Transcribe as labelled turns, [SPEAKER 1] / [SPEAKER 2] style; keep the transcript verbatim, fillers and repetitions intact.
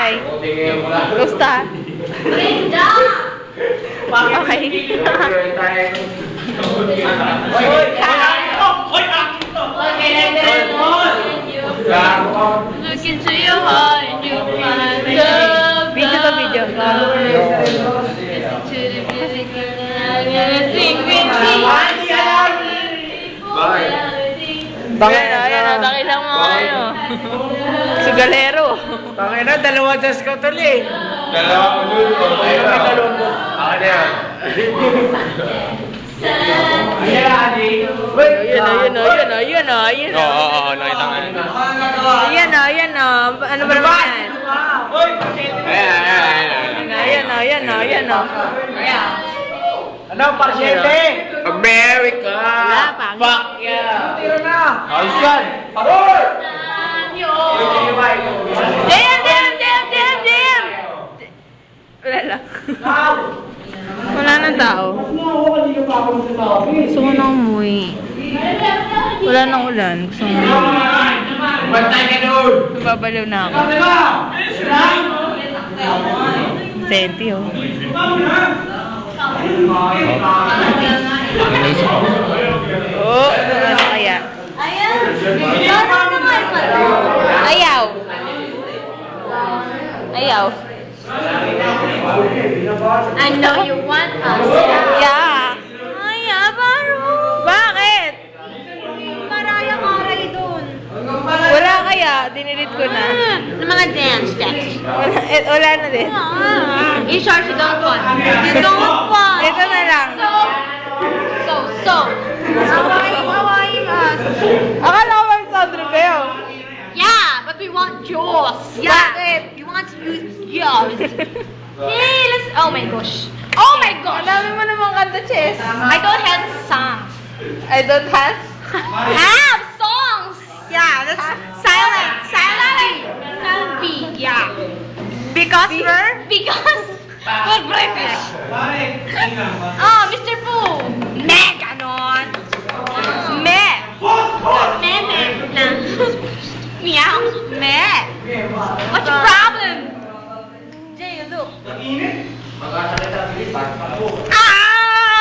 [SPEAKER 1] Okay. Gusta? Okay.
[SPEAKER 2] Look into your heart and you'll find love.
[SPEAKER 1] Video to video.
[SPEAKER 2] Listen to the music and I'm gonna sing with me.
[SPEAKER 1] Ayan na, ayan na. Dakilang mga ano. Sugalero.
[SPEAKER 3] Tangin na, dalawa just ko tuloy.
[SPEAKER 4] Dalawa ko dun.
[SPEAKER 3] Ayun, may talumbo.
[SPEAKER 4] Ako na yan.
[SPEAKER 3] Ayan, Adi.
[SPEAKER 1] Ayan na, ayan na, ayan na, ayan na, ayan na.
[SPEAKER 4] Oo, oo, oo, nakita nga yun.
[SPEAKER 1] Ayan na, ayan na. Ano ba naman yan?
[SPEAKER 4] Ayan, ayan, ayan.
[SPEAKER 1] Ayan na, ayan na, ayan na.
[SPEAKER 3] Ano, parsyete?
[SPEAKER 4] America!
[SPEAKER 1] Wala, pangit.
[SPEAKER 4] Fuck yeah!
[SPEAKER 3] Tiro na.
[SPEAKER 4] Ayos yan!
[SPEAKER 3] Parol!
[SPEAKER 1] Damn, damn, damn, damn, damn! Wala lang. Wala nang tao. Gusto ko nang umuwi. Wala nang ulan. Gusto ko nang umuwi.
[SPEAKER 4] Bantay ka doon!
[SPEAKER 1] Nababaliw na ako. Senti, oh. Oh, ano kaya? Ayaw. Ayaw.
[SPEAKER 2] I know you want us.
[SPEAKER 1] Yeah. Ayaw, baro. Bakit?
[SPEAKER 2] Maraya Carey dun.
[SPEAKER 1] Wala kaya. Dinilit ko na.
[SPEAKER 2] Ng mga dance steps.
[SPEAKER 1] Wala, eh, wala na din.
[SPEAKER 2] You sure you don't want? You don't want.
[SPEAKER 1] Ito na lang.
[SPEAKER 2] So, so, so. Hawaii, Hawaii us.
[SPEAKER 1] Akala ko mag sound trip kayo.
[SPEAKER 2] Yeah, but we want yours.
[SPEAKER 1] Bakit?
[SPEAKER 2] We want to use yours. Hey, let's. Oh my gosh. Oh my
[SPEAKER 1] Ang
[SPEAKER 2] gosh.
[SPEAKER 1] dami mo namang kanta, Chess.
[SPEAKER 2] I don't have songs.
[SPEAKER 1] I don't have.
[SPEAKER 2] Have songs. Yeah, that's silent. Silent. Silent B. Yeah.
[SPEAKER 1] Because we're...
[SPEAKER 2] Because we're British. Oh, Mister Fu.